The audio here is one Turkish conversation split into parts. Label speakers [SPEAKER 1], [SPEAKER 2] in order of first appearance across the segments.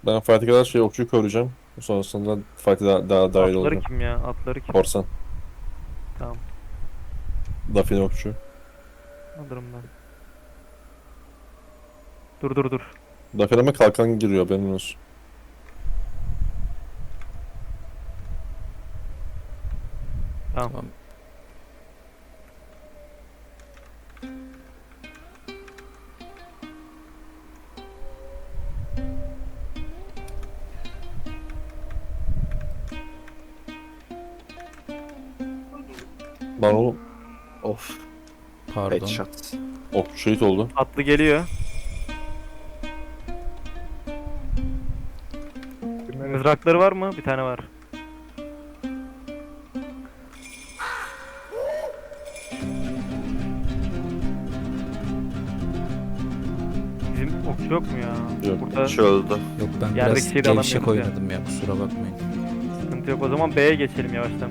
[SPEAKER 1] Ben fight'e kadar okçuyu koruyacağım. Sonrasında fight'e daha dahil
[SPEAKER 2] Atları
[SPEAKER 1] olacağım.
[SPEAKER 2] kim ya? Atları kim?
[SPEAKER 1] Korsan.
[SPEAKER 2] Tamam.
[SPEAKER 1] Dafine okçu.
[SPEAKER 2] Alırım ben. Dur dur dur.
[SPEAKER 1] Dafine'me kalkan giriyor benim olsun.
[SPEAKER 2] Tamam.
[SPEAKER 3] Tamam.
[SPEAKER 1] Lan oğlum. Of.
[SPEAKER 3] Pardon.
[SPEAKER 4] Headshot.
[SPEAKER 1] Okçu şehit oldu.
[SPEAKER 2] Atlı geliyor. Mızrakları var mı? Bir tane var. Bizim okçu yok mu ya?
[SPEAKER 1] Yok.
[SPEAKER 2] Burada
[SPEAKER 4] Şu öldü.
[SPEAKER 3] Yok ben
[SPEAKER 2] Yerdeki
[SPEAKER 3] biraz
[SPEAKER 2] şeyi de
[SPEAKER 3] gevşek
[SPEAKER 2] alamıyoruz ya.
[SPEAKER 3] oynadım ya, kusura bakmayın.
[SPEAKER 2] sıkıntı yok. O zaman B'ye geçelim yavaştan.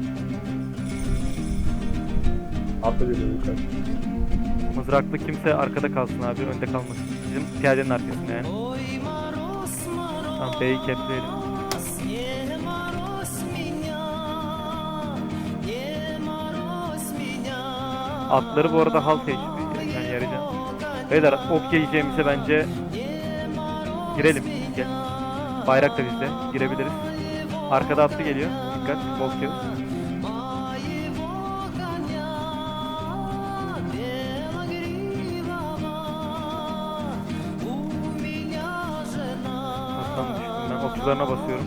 [SPEAKER 5] Atla geliyor yukarı.
[SPEAKER 2] Mızraklı kimse arkada kalsın abi. Önde kalmasın. Bizim piyadenin arkasında yani. Tamam B'yi kepleyelim. Atları bu arada halk HP yani yarayacağım. Beyler ok yiyeceğimize bence girelim. Gel. Bayrak da bizde. Girebiliriz. Arkada atlı geliyor. Dikkat. Bol kill. Attan düştüm ben. Okçularına basıyorum.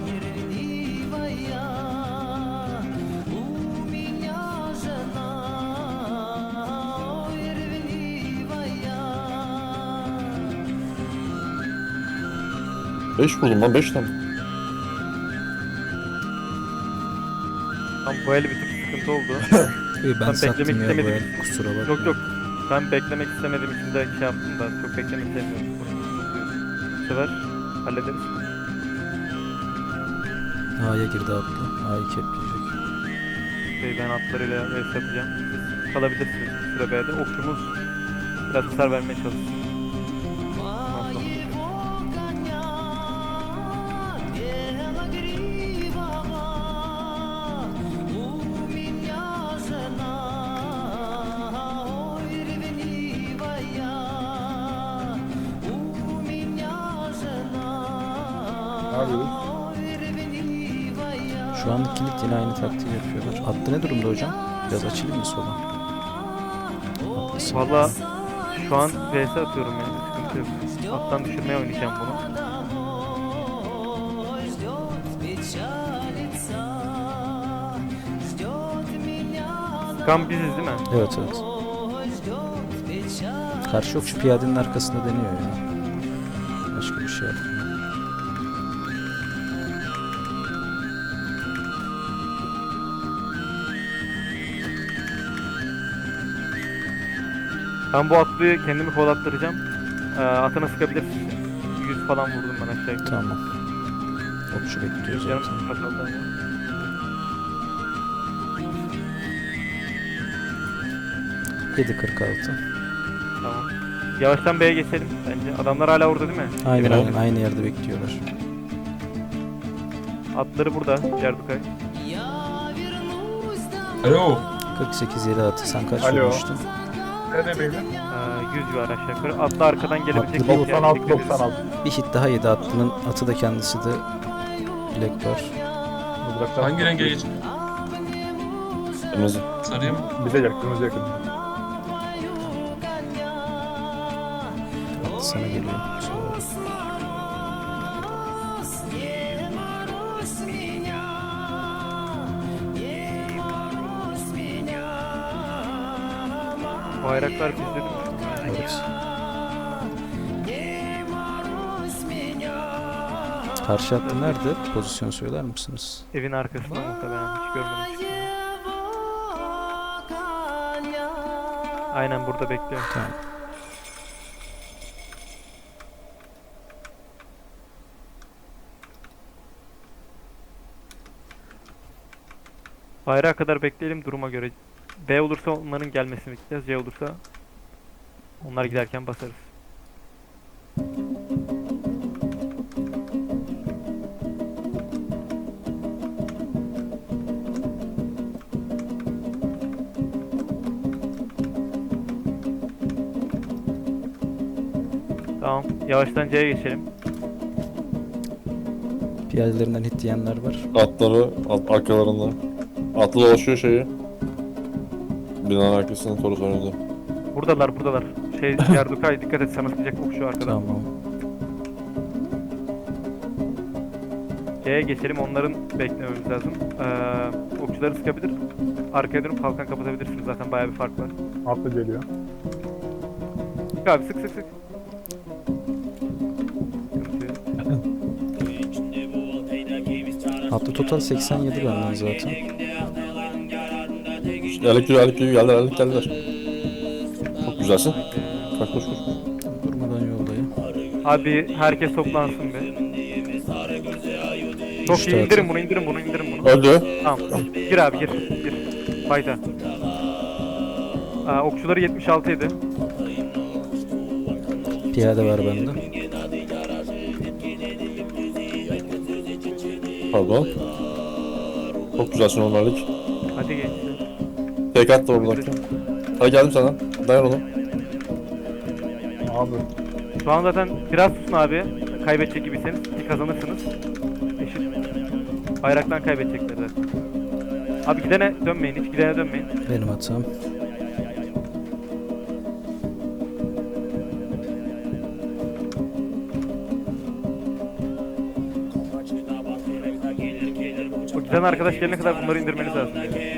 [SPEAKER 1] Beş buldum lan 5 tane.
[SPEAKER 2] Tam bu el bir tık sıkıntı oldu.
[SPEAKER 3] Ben
[SPEAKER 2] Ben
[SPEAKER 3] sattım
[SPEAKER 2] beklemek
[SPEAKER 3] ya bu
[SPEAKER 2] istemedim.
[SPEAKER 3] el, kusura bakmayın.
[SPEAKER 2] Yok yok. Ben beklemek istemediğim için de şey yaptım da çok beklemek istemiyorum. Bu sefer hallederiz.
[SPEAKER 3] A'ya girdi atlı. A'yı kepleyecek.
[SPEAKER 2] Ben atlarıyla vs yapacağım. Siz kalabilirsiniz bir süre B'de. Okçumuz biraz hasar vermeye çalışsın. Ondan sonra-
[SPEAKER 5] Ne yapıyoruz?
[SPEAKER 3] Şu anlık kilit yine aynı taktiği yapıyorlar. Atlı ne durumda hocam? Biraz açayım mı sola? Atlısı.
[SPEAKER 2] Valla şu an vs atıyorum yani sıkıntı yok. Alttan düşürmeye oynayacağım bunu. Kan biziz değil mi?
[SPEAKER 3] Evet evet. Karşı okçu piyadenin arkasında deniyor ya. Başka bir şey yapmıyor.
[SPEAKER 2] Ben bu atlıyı kendimi kovalattıracağım. Atına sıkabilirsin. 100 falan vurdum ben aşağı yukarı.
[SPEAKER 3] Tamam. Okçu bekliyor
[SPEAKER 2] Yarım
[SPEAKER 3] zaten.
[SPEAKER 2] sıkma kaldı ama.
[SPEAKER 3] %7.46.
[SPEAKER 2] Tamam. Yavaştan B'ye geçelim bence. Adamlar hala orada değil mi?
[SPEAKER 3] Aynen
[SPEAKER 1] Evet.
[SPEAKER 3] aynen aynı yerde bekliyorlar.
[SPEAKER 2] Atları burada. Cerdukay.
[SPEAKER 5] Alo.
[SPEAKER 3] 48 yeri atı. Sen kaç
[SPEAKER 5] Alo.
[SPEAKER 3] vurmuştun?
[SPEAKER 5] Nerede beyler?
[SPEAKER 2] 100 civarı aşağı yukarı. Atlı arkadan gelebilecek.
[SPEAKER 3] Atlı
[SPEAKER 2] bir yer
[SPEAKER 5] 96
[SPEAKER 2] bekleyebiliriz.
[SPEAKER 5] 96.
[SPEAKER 3] Bir hit daha yedi atlının. Atı da kendisi de Black Bar.
[SPEAKER 5] Mızraklar.
[SPEAKER 6] Hangi renge geç?
[SPEAKER 1] Kırmızı.
[SPEAKER 6] Sarıya mı?
[SPEAKER 5] Bize yakın, kırmızı yakın.
[SPEAKER 3] Atlı sana geliyor. Sonra.
[SPEAKER 2] Bayraklar bizde değil mi?
[SPEAKER 3] Evet. Karşı hattı nerede? Pozisyon söyler misiniz?
[SPEAKER 2] Evin arkasında muhtemelen hiç görmedim. Aynen burada bekliyor.
[SPEAKER 3] Tamam.
[SPEAKER 2] Bayrağa kadar bekleyelim duruma göre. B olursa onların gelmesini bekleyeceğiz. C olursa onlar giderken basarız. Yavaştan C'ye geçelim.
[SPEAKER 3] Piyadelerinden hit diyenler var.
[SPEAKER 1] Atları arkalarında. Atlı dolaşıyor şeyi. Binanın arkasında Torus önünde.
[SPEAKER 2] Buradalar. Yardukay dikkat et, sana sıkacak okçu arkadan.
[SPEAKER 3] Tamam.
[SPEAKER 2] C'ye geçelim, onların beklememiz lazım. Okçuları sıkabilir. Arkaya dönüp kalkan kapatabilirsiniz, zaten bayağı bir fark var.
[SPEAKER 5] Atlı geliyor.
[SPEAKER 2] Sık abi, sık. Sıkıntı yok.
[SPEAKER 3] Atlı total 87 benden zaten.
[SPEAKER 1] Erlik yürü geldiler. Çok güzelsin. Koş.
[SPEAKER 3] Durmadan yoldayım.
[SPEAKER 2] Abi herkes toplansın be. Çok
[SPEAKER 3] Düştü
[SPEAKER 2] iyi,
[SPEAKER 3] zaten.
[SPEAKER 2] indirin bunu.
[SPEAKER 1] Öldü.
[SPEAKER 2] Tamam. Gir abi, gir. Fayda. Okçuları 76 ydi.
[SPEAKER 3] Piyade var bende.
[SPEAKER 1] Pardon. Çok güzelsin onlarlık.
[SPEAKER 2] Hadi gençler.
[SPEAKER 1] Tek at da oradaki. Hadi geldim sana. Dayan onu.
[SPEAKER 5] Abi.
[SPEAKER 2] Şu an zaten biraz susun abi. Kaybedecek gibiyseniz kazanırsınız. Eşit. Bayraktan kaybedecekler zaten. Abi hiç gidene dönmeyin.
[SPEAKER 3] Benim hatam.
[SPEAKER 2] O giden arkadaş gelene kadar bunları indirmeniz lazım.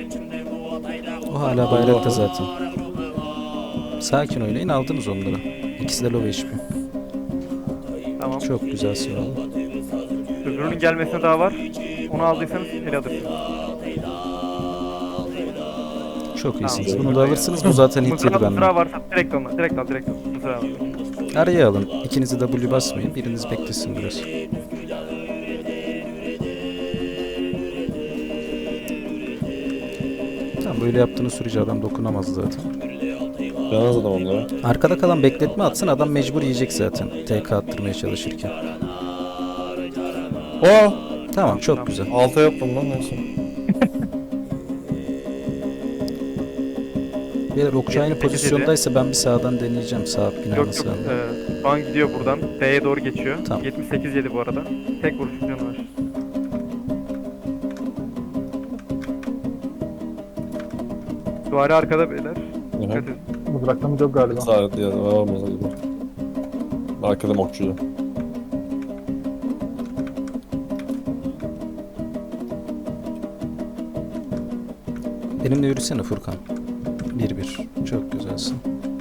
[SPEAKER 3] O hala bayrakta zaten. Sakin oynayın, aldınız onları. İkisi de low HP.
[SPEAKER 2] Tamam.
[SPEAKER 3] Çok güzelsin oğlum.
[SPEAKER 2] Öbürünün gelmesine daha var. Onu aldıysanız ele alırsınız.
[SPEAKER 3] Çok iyisiniz. Bunu da alırsınız. Bu zaten hit yedi
[SPEAKER 2] Mızrağı
[SPEAKER 3] benden.
[SPEAKER 2] varsa direkt alın. Direkt al. Mızrağı var.
[SPEAKER 3] Araya alın. İkinizi W basmayın. Biriniz beklesin biraz. Tamam, böyle yaptığınız sürece adam dokunamaz zaten.
[SPEAKER 1] Yalnız adam onlara.
[SPEAKER 3] Arkada kalan bekletme atsın, adam mecbur yiyecek zaten. TK attırmaya çalışırken.
[SPEAKER 1] Oo!
[SPEAKER 3] Tamam, çok güzel.
[SPEAKER 1] Alta yaptım lan neyse.
[SPEAKER 3] Beyler okçu aynı pozisyondaysa ben bir sağdan deneyeceğim. Sağ binanın
[SPEAKER 2] Yok.
[SPEAKER 3] sağında.
[SPEAKER 2] Şu an gidiyor buradan. B'ye doğru geçiyor.
[SPEAKER 3] Tamam.
[SPEAKER 2] 78 yedi bu arada. Tek vuruş canı var. Duvarı arkada beyler. Dikkat edin.
[SPEAKER 5] Mızraklarımız yok galiba.
[SPEAKER 1] Sağlıklı ya. Olmaz hadi. Arkada mokçuda.
[SPEAKER 3] Benimle yürüsene Furkan. 1-1. Çok güzelsin.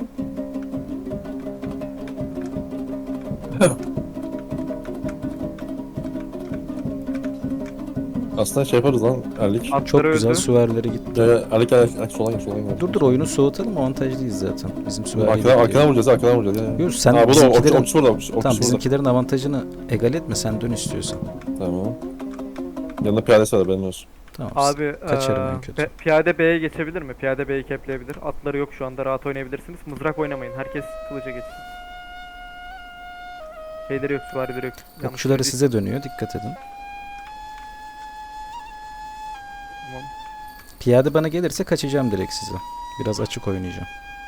[SPEAKER 1] Aslında şey yaparız lan. Erlik.
[SPEAKER 3] Çok
[SPEAKER 2] Atları
[SPEAKER 3] güzel,
[SPEAKER 2] öldü.
[SPEAKER 3] süvarileri gitti.
[SPEAKER 1] Erlik sola gel.
[SPEAKER 3] Dur oyunu soğutalım, avantajlıyız zaten. Bizim süvarileri
[SPEAKER 1] Arkadan vuracağız. Ya.
[SPEAKER 3] Yürü, sen
[SPEAKER 1] Ha bu da
[SPEAKER 3] bizimkilerin...
[SPEAKER 1] okçu burada. Okçu
[SPEAKER 3] Tamam,
[SPEAKER 1] burada.
[SPEAKER 3] bizimkilerin avantajını egal etme, sen dön istiyorsan.
[SPEAKER 1] Tamam. Yanında piyadesi var benim olsun.
[SPEAKER 3] Tamam.
[SPEAKER 2] Abi
[SPEAKER 3] Kaçarım en kötü.
[SPEAKER 2] piyade B'ye geçebilir mi? Piyade B'yi kepleyebilir. Atları yok şu anda, rahat oynayabilirsiniz. Mızrak oynamayın. Herkes kılıca geçsin. Şeyleri yok, süvarileri yok. Yanlış
[SPEAKER 3] Okçuları
[SPEAKER 2] değil.
[SPEAKER 3] size dönüyor, dikkat edin.
[SPEAKER 2] Tamam.
[SPEAKER 3] Piyade bana gelirse kaçacağım direkt size. Biraz açık oynayacağım.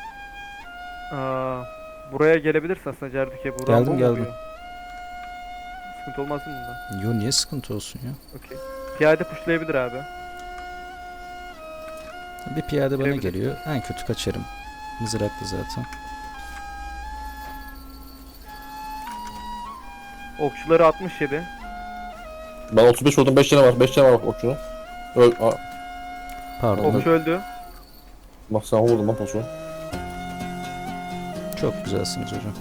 [SPEAKER 2] Buraya gelebilirsin aslında Cerdük'e.
[SPEAKER 3] Geldim.
[SPEAKER 2] Sıkıntı olmaz mı bunda?
[SPEAKER 3] Yo, niye sıkıntı olsun ya?
[SPEAKER 2] Okey. Piyade pushlayabilir abi.
[SPEAKER 3] Bir piyade bana
[SPEAKER 2] Gelebilir.
[SPEAKER 3] geliyor. En kötü kaçarım. Mızraklı zaten.
[SPEAKER 2] Okçuları 67.
[SPEAKER 1] Ben 35 vurdum 5 tane var. 5 tane var okçunun.
[SPEAKER 3] Pardon.
[SPEAKER 2] Okçu öldü.
[SPEAKER 1] Bak sen vurdun lan posu.
[SPEAKER 3] Çok güzelsiniz hocam.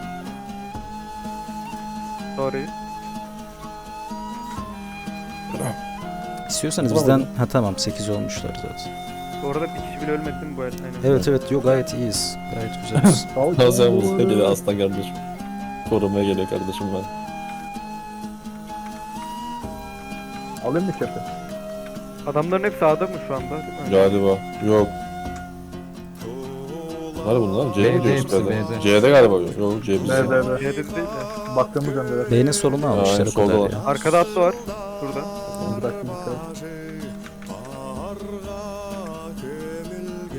[SPEAKER 2] Sorry.
[SPEAKER 3] İstiyorsanız
[SPEAKER 1] Tamam
[SPEAKER 3] bizden...
[SPEAKER 1] hocam.
[SPEAKER 3] Ha tamam, 8 olmuşlar zaten.
[SPEAKER 2] Bu arada bir kişi bile ölmedi mi bu el? Aynen.
[SPEAKER 3] Evet, yok, gayet iyiyiz. Gayet güzeliz.
[SPEAKER 1] Sen vurdun. Geliyor aslan kardeşim. Korumaya geliyor kardeşim ben.
[SPEAKER 5] Alayım mı kepi?
[SPEAKER 2] Adamların hepsi A'da mı şu anda? Değil mi?
[SPEAKER 1] Galiba. Yok. Nerede bunlar? C'ye mi
[SPEAKER 4] B'de
[SPEAKER 1] gidiyoruz
[SPEAKER 4] hepsi,
[SPEAKER 1] galiba?
[SPEAKER 4] B'de.
[SPEAKER 1] C'de galiba yok. Yok C bizde.
[SPEAKER 5] Nerede?
[SPEAKER 2] C'de değil de.
[SPEAKER 5] Baktığımız önde.
[SPEAKER 3] Beynin solunu almışlar o
[SPEAKER 1] solda
[SPEAKER 3] kadar
[SPEAKER 1] var.
[SPEAKER 3] ya.
[SPEAKER 2] Arkada atlı var. Şurada.
[SPEAKER 5] Bıraktım dikkat.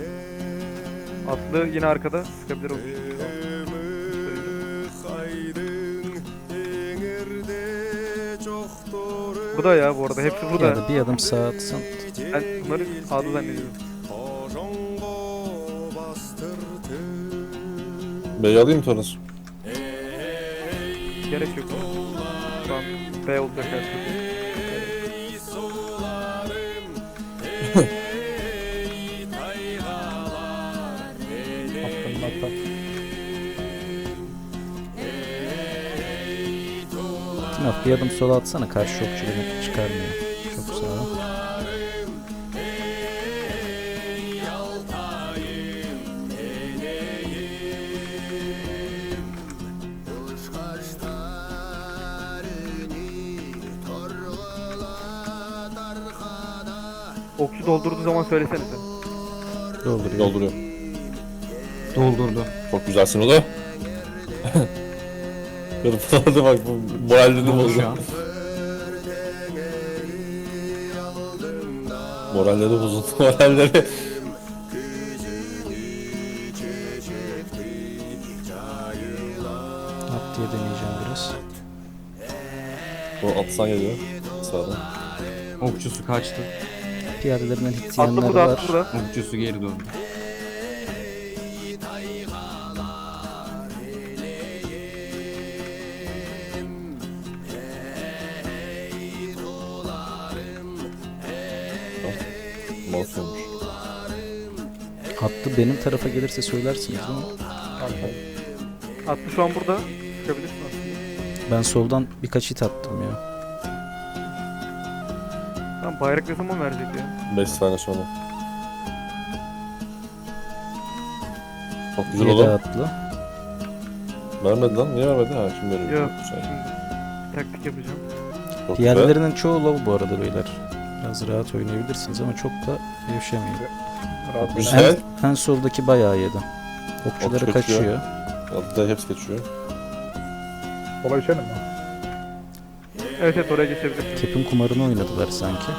[SPEAKER 2] Atlı yine arkada. Sıkabilir o. Bu da ya bu arada hepsi
[SPEAKER 3] Ya
[SPEAKER 2] burada.
[SPEAKER 3] da bir adım sağa atsan.
[SPEAKER 2] Ben bunları sağda zannediyorum.
[SPEAKER 1] B'yi alayım mı Toros?
[SPEAKER 2] Gerek yok. Şu an B olacak her türlü.
[SPEAKER 5] Attım atak.
[SPEAKER 3] Timaf bir adım sola atsana, karşı okçu beni çıkarmıyor. Çok sağ ol.
[SPEAKER 2] Okçu doldurduğu zaman söylesenize.
[SPEAKER 3] Dolduruyor.
[SPEAKER 1] Dolduruyor.
[SPEAKER 4] Doldurdu.
[SPEAKER 1] Çok güzelsin o da. Hadi bak bu moralini
[SPEAKER 4] Oldu
[SPEAKER 1] bozdu.
[SPEAKER 4] şu an.
[SPEAKER 1] Moralleri bozuldu. Moralleri.
[SPEAKER 3] At diye deneyeceğim biraz.
[SPEAKER 1] Bu atsan geliyor. Sağdan.
[SPEAKER 4] Okçusu kaçtı.
[SPEAKER 3] Piyadelerinden hit
[SPEAKER 2] Atlı
[SPEAKER 3] yiyenler
[SPEAKER 2] burada,
[SPEAKER 3] var.
[SPEAKER 2] atlı burada.
[SPEAKER 4] Okçusu geri döndü.
[SPEAKER 1] Mouse olmuş.
[SPEAKER 3] Atlı benim tarafa gelirse söylersiniz değil mi?
[SPEAKER 2] Atlı şu an burada. Çıkabilirsin aslında.
[SPEAKER 3] Ben soldan birkaç hit attım ya.
[SPEAKER 2] Tamam bayrak ne zaman verecek ya?
[SPEAKER 1] 5 saniye sonra. Çok güzel
[SPEAKER 3] 7
[SPEAKER 1] oldu.
[SPEAKER 3] atlı.
[SPEAKER 1] Vermedi lan. Niye vermedi? Ha şimdi veriyor.
[SPEAKER 2] Yok
[SPEAKER 1] Çok güzel.
[SPEAKER 2] şimdi taktik yapacağım.
[SPEAKER 1] Çok güzel.
[SPEAKER 3] Piyadelerinin çoğu low bu arada beyler. Biraz rahat oynayabilirsiniz ama çok da gevşemeyin.
[SPEAKER 5] Rahat ol.
[SPEAKER 1] Güzel.
[SPEAKER 3] En soldaki bayağı yedi. Okçuları
[SPEAKER 1] Okçu kaçıyor.
[SPEAKER 3] kaçıyor.
[SPEAKER 1] Altta hepsi geçiyor.
[SPEAKER 5] Sola geçelim mi?
[SPEAKER 2] Evet evet oraya geçebilirsin.
[SPEAKER 3] Kep'in kumarını oynadılar sanki.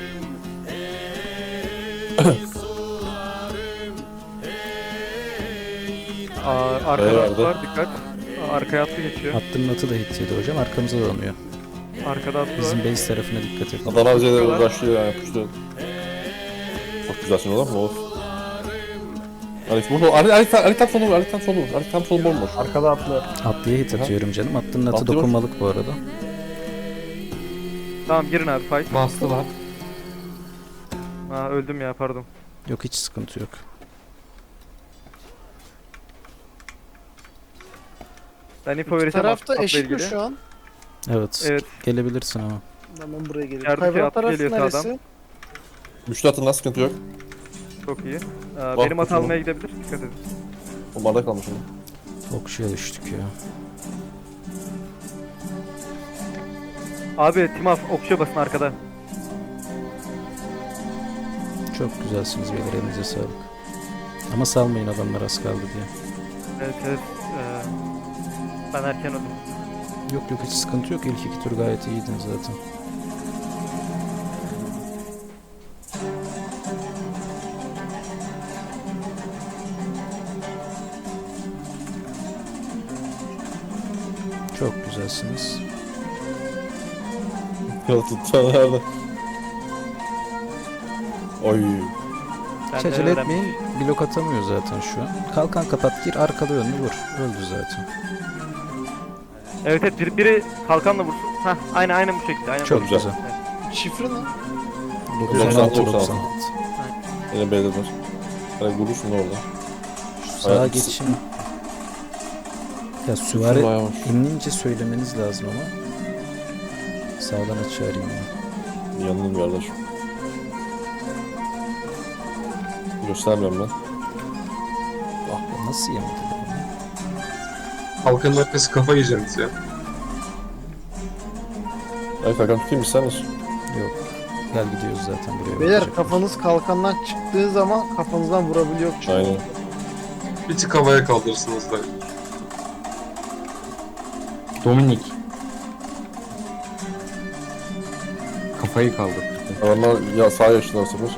[SPEAKER 2] Arkada
[SPEAKER 1] Eyvallah.
[SPEAKER 2] atlı var dikkat. Arkaya atlı geçiyor.
[SPEAKER 3] Attının atı da hit yedi hocam. Arkamıza dolanıyor.
[SPEAKER 2] Arkada atlı var.
[SPEAKER 3] Bizim base tarafına dikkat edin.
[SPEAKER 1] Adana bize de
[SPEAKER 2] Yapıyorlar.
[SPEAKER 1] uğraşıyor yani yapıştı. Çok güzelsin oğlum. Of. Alex burada. Ali tam sonu. Ali tam sonu. Ali tam sonu bomboş.
[SPEAKER 5] Arkada atlı.
[SPEAKER 3] Atlıya hit atıyorum canım. Attının atı
[SPEAKER 1] Atlı var.
[SPEAKER 3] dokunmalık bu arada.
[SPEAKER 2] Tamam girin abi fight.
[SPEAKER 4] Bastılar.
[SPEAKER 2] Aa öldüm ya pardon.
[SPEAKER 3] Yok hiç sıkıntı yok.
[SPEAKER 2] Ben info verirsem
[SPEAKER 6] Tarafta
[SPEAKER 2] atla
[SPEAKER 6] eşit mi
[SPEAKER 2] ilgili.
[SPEAKER 6] şu an?
[SPEAKER 3] Evet.
[SPEAKER 2] Evet.
[SPEAKER 3] Gelebilirsin ama.
[SPEAKER 6] Ben buraya geliyorum.
[SPEAKER 2] Yardımcı
[SPEAKER 6] Hayvan
[SPEAKER 2] atlı
[SPEAKER 6] tarafı
[SPEAKER 2] geliyor
[SPEAKER 6] neresi?
[SPEAKER 2] sağdan.
[SPEAKER 1] Güçlü atın lan sıkıntı yok.
[SPEAKER 2] Çok iyi.
[SPEAKER 1] Bak,
[SPEAKER 2] Benim at
[SPEAKER 1] bakalım.
[SPEAKER 2] almaya gidebilir. Dikkat edin.
[SPEAKER 1] O bardak kalmış onun.
[SPEAKER 3] Okçuya düştük ya.
[SPEAKER 2] Abi Timaf okçuya basın arkada.
[SPEAKER 3] Çok güzelsiniz beyler, elinize sağlık. Ama salmayın, adamlar az kaldı diye.
[SPEAKER 2] Evet evet. Ben erken öldüm.
[SPEAKER 3] Yok yok hiç sıkıntı yok. İlk iki tur gayet iyiydin zaten. Çok güzelsiniz.
[SPEAKER 1] Ya tuttan nerede? Oy.
[SPEAKER 2] Ben
[SPEAKER 3] Hiç
[SPEAKER 2] de
[SPEAKER 3] acele
[SPEAKER 2] öğrendim.
[SPEAKER 3] etmeyin. Blok atamıyor zaten şu an. Kalkan kapat, gir arkalı önlü vur. Öldü zaten.
[SPEAKER 2] Evet evet biri kalkanla vursun. Hah aynen bu şekilde. Aynen
[SPEAKER 3] Çok
[SPEAKER 2] bu.
[SPEAKER 1] güzel.
[SPEAKER 3] güzel.
[SPEAKER 6] Şifre ne?
[SPEAKER 3] 96
[SPEAKER 1] 96.
[SPEAKER 3] 96.
[SPEAKER 1] Yine B'dedir. Hani vurursun orada.
[SPEAKER 3] Şu sağa
[SPEAKER 1] Hayat-
[SPEAKER 3] geçin. Ya
[SPEAKER 1] Süvari
[SPEAKER 3] süvari
[SPEAKER 1] bayağı hoş.
[SPEAKER 3] inince söylemeniz lazım ama. Sağdan açı arayayım ya.
[SPEAKER 1] Yanılım kardeşim. Göstermiyorum ben.
[SPEAKER 3] Ah nasıl yemedi bunu?
[SPEAKER 7] Halkanın arkası kafa yiyeceğimiz ya.
[SPEAKER 1] Evet Hakan tutayım mı sen misin?
[SPEAKER 3] Yok. Gel gidiyoruz zaten buraya.
[SPEAKER 6] Beyler
[SPEAKER 3] bakacak.
[SPEAKER 6] kafanız kalkandan çıktığı zaman kafanızdan vurabiliyor çünkü.
[SPEAKER 1] Aynen.
[SPEAKER 7] Bir tık havaya kaldırırsınız da.
[SPEAKER 4] Dominik. Kafayı kaldır.
[SPEAKER 1] Adamlar ya sağ yaşlılar sıfır.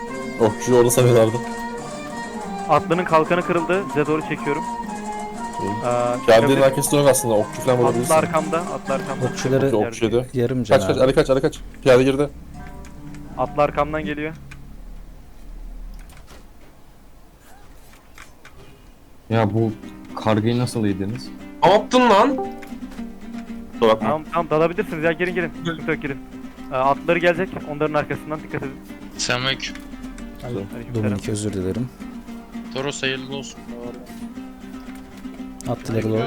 [SPEAKER 1] Okçuyu orada sanıyorlardı.
[SPEAKER 2] Atlının kalkanı kırıldı. Size doğru çekiyorum.
[SPEAKER 1] İyi. Geldiğinin arkasında yok aslında. Okçu falan
[SPEAKER 2] Atlı
[SPEAKER 1] vurabilirsin.
[SPEAKER 2] arkamda, atlı arkamda.
[SPEAKER 3] Okçuları
[SPEAKER 1] Okçu yedi.
[SPEAKER 3] yarım can
[SPEAKER 1] Kaç kaç
[SPEAKER 3] abi.
[SPEAKER 1] Ali kaç Ali kaç. Piyade girdi.
[SPEAKER 2] Atlı arkamdan geliyor.
[SPEAKER 4] Ya bu kargayı nasıl yediniz?
[SPEAKER 7] Ne yaptın lan?
[SPEAKER 1] Kusura bakma.
[SPEAKER 2] Tamam dalabilirsiniz ya, girin. Sıkıntı yok, girin. Atları gelecek, onların arkasından dikkat edin.
[SPEAKER 8] Selamünaleyküm.
[SPEAKER 2] Aleykümselam.
[SPEAKER 3] Dominik özür dilerim.
[SPEAKER 8] Toros hayırlı olsun.
[SPEAKER 3] Attılar low.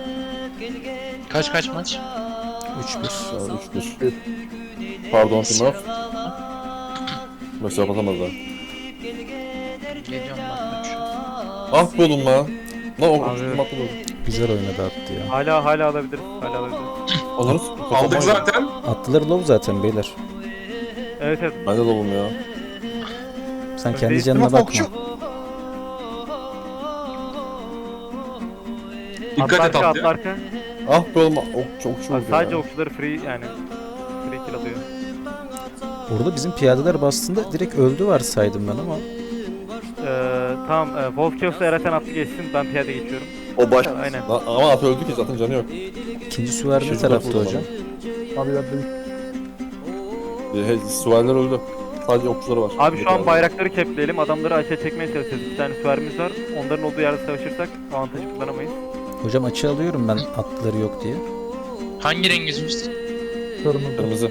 [SPEAKER 8] Kaç maç?
[SPEAKER 3] 3-1.
[SPEAKER 1] 3-1. Pardon Timur. Mesela atamadılar.
[SPEAKER 8] Geliyorum ben.
[SPEAKER 1] Ah be oğlum lan. Lan o
[SPEAKER 2] Abi.
[SPEAKER 1] kim attı
[SPEAKER 3] Güzel oynadı attı ya.
[SPEAKER 2] Hala alabiliriz. Hala alabiliriz.
[SPEAKER 1] Onları
[SPEAKER 7] Aldık zaten.
[SPEAKER 3] Attılar low zaten beyler.
[SPEAKER 2] Evet.
[SPEAKER 1] Ben de dolum ya.
[SPEAKER 3] Sen kendi
[SPEAKER 2] Değil,
[SPEAKER 3] canına
[SPEAKER 6] değil mi
[SPEAKER 3] bakma.
[SPEAKER 7] Dikkat et
[SPEAKER 2] Atlı
[SPEAKER 7] atlıya.
[SPEAKER 2] arka.
[SPEAKER 1] Ah be oğlum okçu vurdu
[SPEAKER 2] Sadece
[SPEAKER 1] ya.
[SPEAKER 2] okçuları free yani. Free kill alıyor.
[SPEAKER 3] Orada bizim piyadeler bastığında direkt öldü varsaydım ben ama.
[SPEAKER 2] Tamam. Wolfkios'la Eraten atlı geçsin. Ben piyade geçiyorum.
[SPEAKER 1] O baş.
[SPEAKER 2] Aynen.
[SPEAKER 1] Lan, ama at öldü ki zaten canı yok.
[SPEAKER 3] İkinci süvari ne
[SPEAKER 1] Şimdi
[SPEAKER 3] tarafta
[SPEAKER 1] vurdu
[SPEAKER 3] hocam?
[SPEAKER 5] Abi yardım.
[SPEAKER 1] Süvariler öldü. Sadece okçuları var.
[SPEAKER 2] Abi şu an bayrakları kepleyelim. Adamları açığa çekmeye çalışacağız. Bir tane süvarimiz var. Onların olduğu yerde savaşırsak avantajı kullanamayız.
[SPEAKER 3] Hocam açı alıyorum ben atları yok diye.
[SPEAKER 8] Hangi renginiz?
[SPEAKER 5] Kırmızı.
[SPEAKER 1] Kırmızı.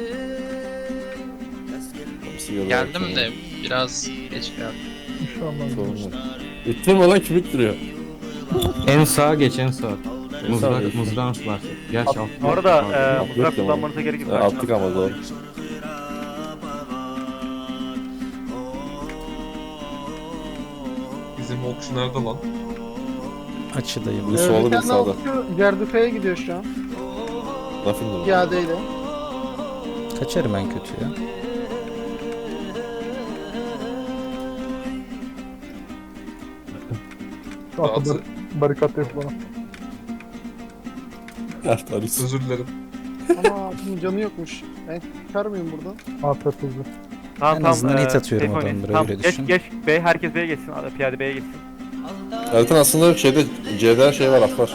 [SPEAKER 1] Hepsi görüyor.
[SPEAKER 8] Geldim de biraz geç geldim.
[SPEAKER 5] Şu an ben
[SPEAKER 1] Sorun yok. İttirme lan kim ittiriyor?
[SPEAKER 4] En sağa geç en sağa.
[SPEAKER 1] sağa.
[SPEAKER 4] Mızrağın var. Geç al.
[SPEAKER 2] Bu arada
[SPEAKER 1] yok
[SPEAKER 2] mızrak
[SPEAKER 1] ya.
[SPEAKER 2] kullanmanıza gerek yok.
[SPEAKER 1] Attık ama doğru.
[SPEAKER 7] Bizim okçu nerede lan?
[SPEAKER 3] Açıdayım.
[SPEAKER 1] Bir solda bir
[SPEAKER 6] tane
[SPEAKER 1] sağda.
[SPEAKER 6] okçu Gerdufe'ye gidiyor şu an.
[SPEAKER 1] Lafın da.
[SPEAKER 6] Piyadeyle.
[SPEAKER 3] Kaçarım en kötü ya.
[SPEAKER 5] Atı barikat yok bana.
[SPEAKER 1] Evet Aris.
[SPEAKER 7] Özür dilerim.
[SPEAKER 6] Ama atın canı yokmuş. Ben çıkar mıyım buradan?
[SPEAKER 5] Afiyet olsun.
[SPEAKER 3] En azından hit atıyorum
[SPEAKER 2] Seyfoni.
[SPEAKER 3] adamlara,
[SPEAKER 2] Tamam,
[SPEAKER 3] öyle
[SPEAKER 2] geç
[SPEAKER 3] düşün.
[SPEAKER 2] geç. B, herkes B'ye geçsin. Piyade B'ye geçsin.
[SPEAKER 1] Zaten aslında şeyde C'de şey var at var.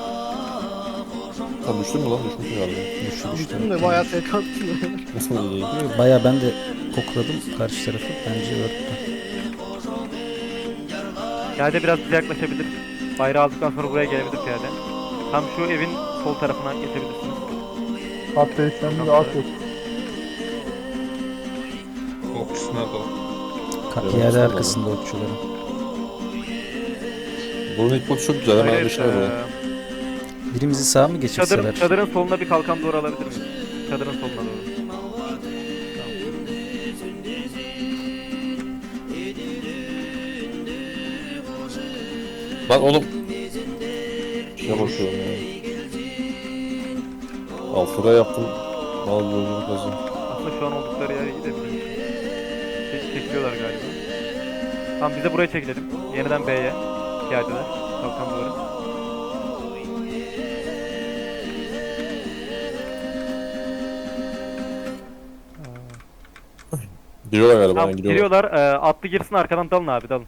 [SPEAKER 1] Sen düştün mü lan? Düşmüşsün galiba.
[SPEAKER 6] Düştüm de bayağı tek attım.
[SPEAKER 1] Nasıl iyi?
[SPEAKER 3] Baya ben de kokladım karşı tarafı. Bence örttü.
[SPEAKER 2] Piyade biraz bize yaklaşabilir. Bayrağı aldıktan sonra buraya gelebilir piyade. Tam şu evin sol tarafına geçebilirsiniz.
[SPEAKER 5] At değişlendi de at yok.
[SPEAKER 7] Okçusu nerede lan?
[SPEAKER 3] Piyade arkasında okçuların.
[SPEAKER 1] Bunun ilk botu çok güzel. Hemen
[SPEAKER 2] Hayır,
[SPEAKER 1] bir şey böyle.
[SPEAKER 3] Birimizi sağa mı geçirseler?
[SPEAKER 2] Çadırın soluna bir kalkan doğru alabilir miyiz? Çadırın soluna doğru.
[SPEAKER 1] Lan oğlum. Şuna bakıyorum ya. Alt lira yaptım. Mal yolculuk lazım.
[SPEAKER 2] Aslında şu an oldukları yere gidebiliriz. Çekiliyorlar galiba. Tamam, biz de buraya çekilelim. Yeniden B'ye. Piyadeler. Kalkan doğru.
[SPEAKER 1] Giriyorlar galiba.
[SPEAKER 2] Tamam,
[SPEAKER 1] yani, giriyorlar.
[SPEAKER 2] giriyorlar. Atlı girsin, arkadan dalın abi, dalın.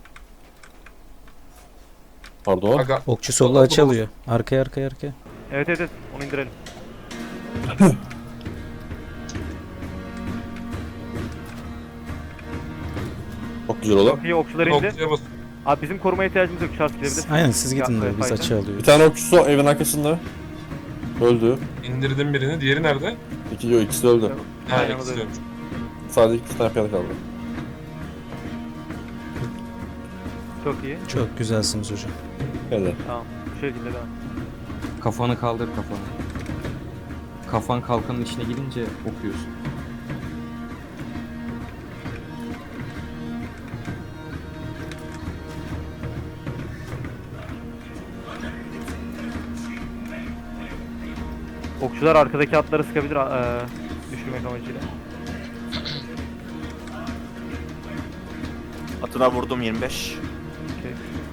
[SPEAKER 1] Pardon.
[SPEAKER 7] Aga
[SPEAKER 3] Okçu solla açı alıyor. Arkaya.
[SPEAKER 2] Evet, onu indirelim.
[SPEAKER 1] Çok güzel olan.
[SPEAKER 2] Çok iyi, okçular indi.
[SPEAKER 7] okçuya bas.
[SPEAKER 2] Abi bizim korumaya ihtiyacımız yok, Charles gidebilir.
[SPEAKER 3] Aynen siz gidin de biz
[SPEAKER 2] Fayda.
[SPEAKER 3] açı alıyoruz.
[SPEAKER 1] Bir tane okçusu evin arkasında. Öldü.
[SPEAKER 7] İndirdim birini. Diğeri nerede?
[SPEAKER 1] İkisi de öldü.
[SPEAKER 7] Ha
[SPEAKER 2] Aynen,
[SPEAKER 7] ikisi
[SPEAKER 2] öyle.
[SPEAKER 7] de.
[SPEAKER 1] Sadece 2 tane piyade kaldı.
[SPEAKER 2] Çok iyi.
[SPEAKER 3] Çok güzelsiniz hocam.
[SPEAKER 1] Helal.
[SPEAKER 2] Tamam, bu şekilde devam.
[SPEAKER 4] Kafanı kaldır kafanı. Kafan kalkanın içine girince okuyorsun.
[SPEAKER 2] Okçular arkadaki atları sıkabilir düşürmek amacıyla.
[SPEAKER 9] Atına vurdum 25.
[SPEAKER 2] Okey.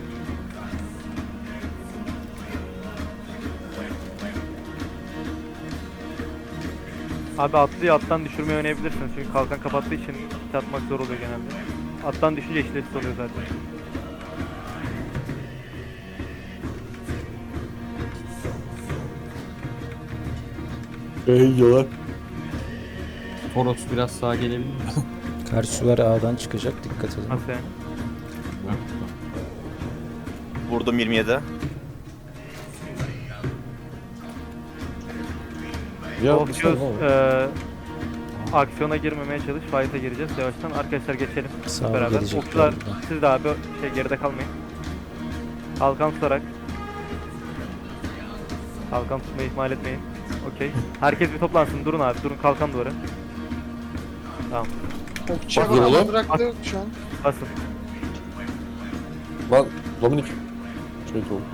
[SPEAKER 2] Abi atlıyı attan düşürmeyi oynayabilirsiniz çünkü kalkan kapattığı için hit atmak zor oluyor genelde. Attan düşünce eşit oluyor zaten.
[SPEAKER 1] Gidiyorlar.
[SPEAKER 4] Toros biraz sağa gelebilir mi?
[SPEAKER 3] Karşı sular A'dan çıkacak, dikkat edin.
[SPEAKER 2] Nasıl yani?
[SPEAKER 9] Vurdum 27.
[SPEAKER 1] Ya
[SPEAKER 2] Okçuyoruz.
[SPEAKER 1] Mustafa.
[SPEAKER 2] Aksiyona girmemeye çalış. Fight'a gireceğiz yavaştan. Arkadaşlar geçelim.
[SPEAKER 3] Sağ
[SPEAKER 2] Beraber.
[SPEAKER 3] gelecekler
[SPEAKER 2] Okçular
[SPEAKER 3] buradan.
[SPEAKER 2] siz de abi geride kalmayın. Kalkan tutarak. Kalkan tutmayı ihmal etmeyin. Okey. Herkes bir toplansın. Durun abi. Durun kalkan duvarı. Tamam.
[SPEAKER 6] Okçuya
[SPEAKER 1] Bak, oğlum.
[SPEAKER 6] bak bıraktı şu an.
[SPEAKER 2] Basın.
[SPEAKER 1] Lan Dominik. Şöyle oldu.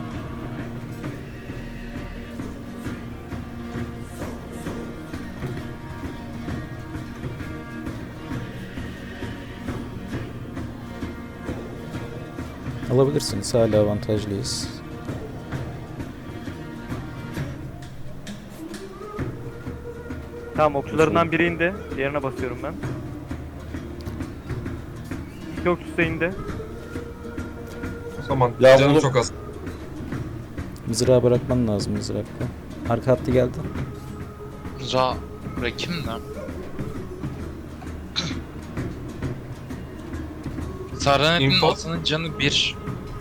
[SPEAKER 3] Alabilirsiniz, hala avantajlıyız.
[SPEAKER 2] Tamam okçularından biri indi. Diğerine basıyorum ben. İki okçusu da indi.
[SPEAKER 7] Tamam.
[SPEAKER 1] Ya
[SPEAKER 7] Canım
[SPEAKER 1] bunu-
[SPEAKER 7] çok az.
[SPEAKER 3] Mızrağı bırakman lazım mızrakla. Arka hattı geldi.
[SPEAKER 8] Ra Rakim ne? Sardanet'in
[SPEAKER 7] Info.
[SPEAKER 8] atının canı 1.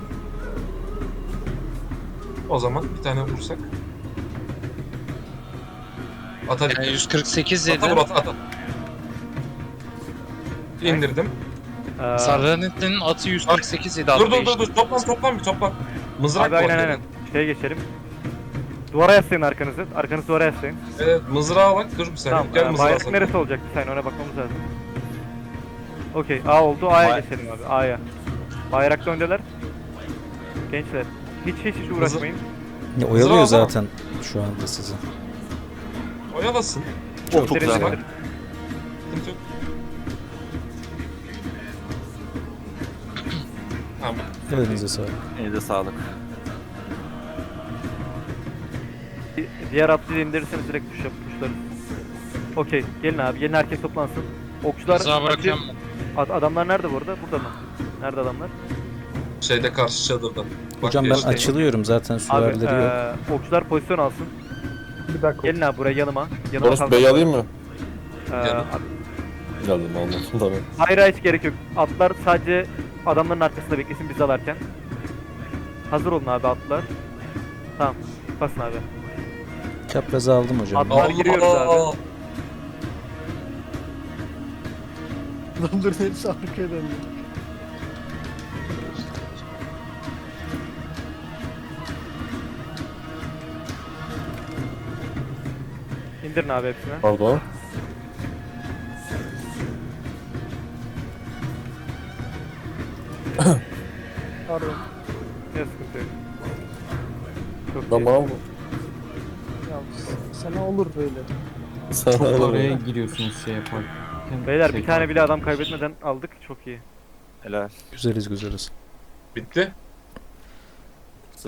[SPEAKER 7] O zaman bir tane vursak. At hadi.
[SPEAKER 8] Yani 148 yedi.
[SPEAKER 7] At vur at. İndirdim.
[SPEAKER 8] Sardanet'in atı 148 yedi.
[SPEAKER 7] Dur toplan bir toplan. Mızrak
[SPEAKER 2] Abi aynen
[SPEAKER 7] var.
[SPEAKER 2] aynen. Şeye geçelim. Duvara yaslayın arkanızı. Arkanızı duvara yaslayın.
[SPEAKER 7] Evet mızrağa bak dur bir saniye.
[SPEAKER 2] Tamam.
[SPEAKER 7] Gel mızrağa
[SPEAKER 2] Bayrak
[SPEAKER 7] sana.
[SPEAKER 2] neresi olacak? Bir saniye ona bakmamız lazım. Okey. A oldu. A'ya
[SPEAKER 9] Bay-
[SPEAKER 2] geçelim abi. A'ya. Bayrakta öndeler. Gençler. Hiç uğraşmayın.
[SPEAKER 3] Ya, oyalıyor
[SPEAKER 7] Mızrağı
[SPEAKER 3] zaten şu anda sizi.
[SPEAKER 7] Oyalasın.
[SPEAKER 9] Çok
[SPEAKER 2] Derin
[SPEAKER 9] güzel.
[SPEAKER 2] derin.
[SPEAKER 7] Sıkıntı yok. Tamam.
[SPEAKER 3] Elinize sağlık.
[SPEAKER 9] Elinize sağlık.
[SPEAKER 2] Diğer atlıyı indirirseniz direkt pushlarız. Okey. Gelin abi. Gelin herkes toplansın. Okçular...
[SPEAKER 8] Mızrağı bırakıyorum mu?
[SPEAKER 2] Adamlar nerede bu arada? Burada mı? Nerede adamlar?
[SPEAKER 7] Şeyde karşı çadırda. Bak
[SPEAKER 3] Hocam ben
[SPEAKER 7] geçti.
[SPEAKER 3] açılıyorum zaten
[SPEAKER 2] Abi
[SPEAKER 3] süvarileri yok.
[SPEAKER 2] okçular pozisyon alsın.
[SPEAKER 5] Bir dakika.
[SPEAKER 2] Gelin abi buraya yanıma. Yanıma
[SPEAKER 1] Doros
[SPEAKER 2] kalkın.
[SPEAKER 1] Bey'i alayım mı?
[SPEAKER 7] Yanım.
[SPEAKER 1] Geldim aldım. Tamam.
[SPEAKER 2] Hayır hiç gerek yok. Atlar sadece adamların arkasında beklesin biz alarken. Hazır olun abi atlar. Tamam. Basın abi.
[SPEAKER 3] Çaprazı aldım hocam.
[SPEAKER 2] Atlar giriyoruz abi.
[SPEAKER 6] Dur hepsi arkaya döndü.
[SPEAKER 2] İndirin abi hepsini.
[SPEAKER 1] Pardon.
[SPEAKER 6] Pardon.
[SPEAKER 2] Ne sıkıntı yok. Çok
[SPEAKER 1] Ben
[SPEAKER 2] iyi.
[SPEAKER 1] bana mı?
[SPEAKER 6] Ya sana olur böyle.
[SPEAKER 1] Sana
[SPEAKER 4] Çok
[SPEAKER 1] öyle
[SPEAKER 4] oraya
[SPEAKER 1] mi?
[SPEAKER 4] giriyorsunuz şey yapar.
[SPEAKER 2] Beyler bir tane bile adam kaybetmeden aldık. Çok iyi.
[SPEAKER 9] Helal.
[SPEAKER 3] Güzeliz güzeliz.
[SPEAKER 7] Bitti.